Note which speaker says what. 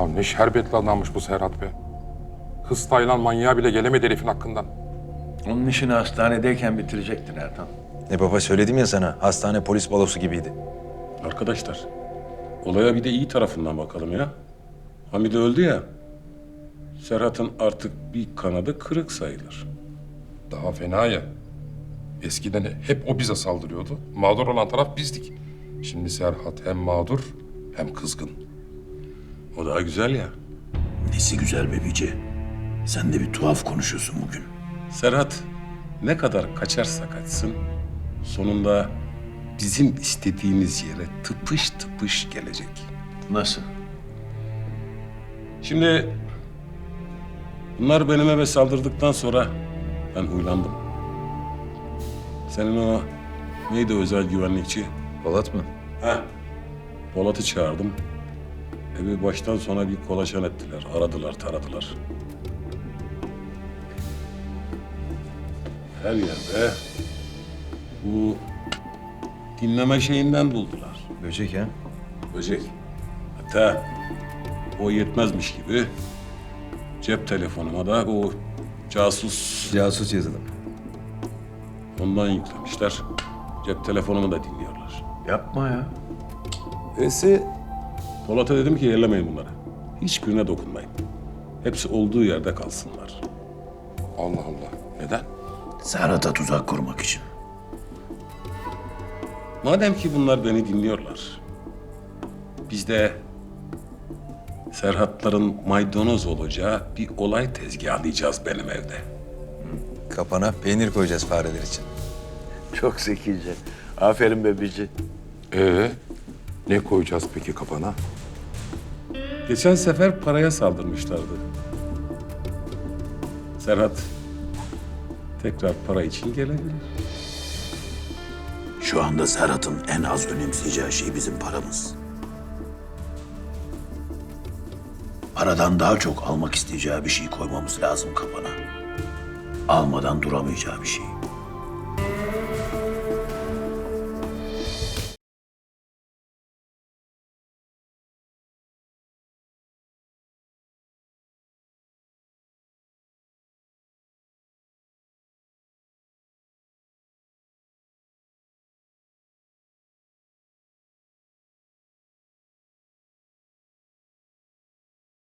Speaker 1: Ya ne şerbetli adammış bu Serhat be. Kız Taylan manyağı bile gelemedi herifin hakkından.
Speaker 2: Onun işini hastanedeyken bitirecektin Ertan.
Speaker 3: Baba söyledim ya sana, hastane polis balosu gibiydi.
Speaker 4: Arkadaşlar, olaya bir de iyi tarafından bakalım ya. Hamide öldü ya. Serhat'ın artık bir kanadı kırık sayılır.
Speaker 1: Daha fena ya. Eskiden hep o bize saldırıyordu. Mağdur olan taraf bizdik. Şimdi Serhat hem mağdur hem kızgın.
Speaker 4: O daha güzel ya.
Speaker 5: Nesi güzel be Bici. Sen de bir tuhaf konuşuyorsun bugün.
Speaker 4: Serhat ne kadar kaçarsa kaçsın, sonunda bizim istediğimiz yere tıpış tıpış gelecek.
Speaker 2: Nasıl?
Speaker 4: Şimdi bunlar benim eve saldırdıktan sonra ben huylandım. Senin o neydi o özel güvenlikçi?
Speaker 3: Polat mı?
Speaker 4: Heh. Polat'ı çağırdım. Evi baştan sona bir kolaçan ettiler. Aradılar, taradılar. Her yerde bu dinleme şeyinden buldular.
Speaker 3: Böcek ha?
Speaker 4: Böcek. Hatta o yetmezmiş gibi cep telefonuma da o casus
Speaker 3: Casus yazılım.
Speaker 4: ondan yüklemişler. Cep telefonumu da dinliyorlar.
Speaker 2: Yapma ya.
Speaker 4: Polat'a dedim ki ellemeyin bunları. Hiçbirine dokunmayın. Hepsi olduğu yerde kalsınlar.
Speaker 1: Allah Allah. Neden?
Speaker 5: Serhat'a tuzak kurmak için.
Speaker 4: Madem ki bunlar beni dinliyorlar, biz de Serhatların maydanoz olacağı bir olay tezgahlayacağız benim evde.
Speaker 3: Kapana peynir koyacağız fareler için.
Speaker 2: Çok zekice. Aferin be Bici.
Speaker 1: Ne koyacağız peki kafana?
Speaker 4: Geçen sefer paraya saldırmışlardı. Serhat tekrar para için gelebilir.
Speaker 5: Şu anda Serhat'ın en az önemseyeceği şey bizim paramız. Paradan daha çok almak isteyeceği bir şey koymamız lazım kafana. Almadan duramayacağı bir şey.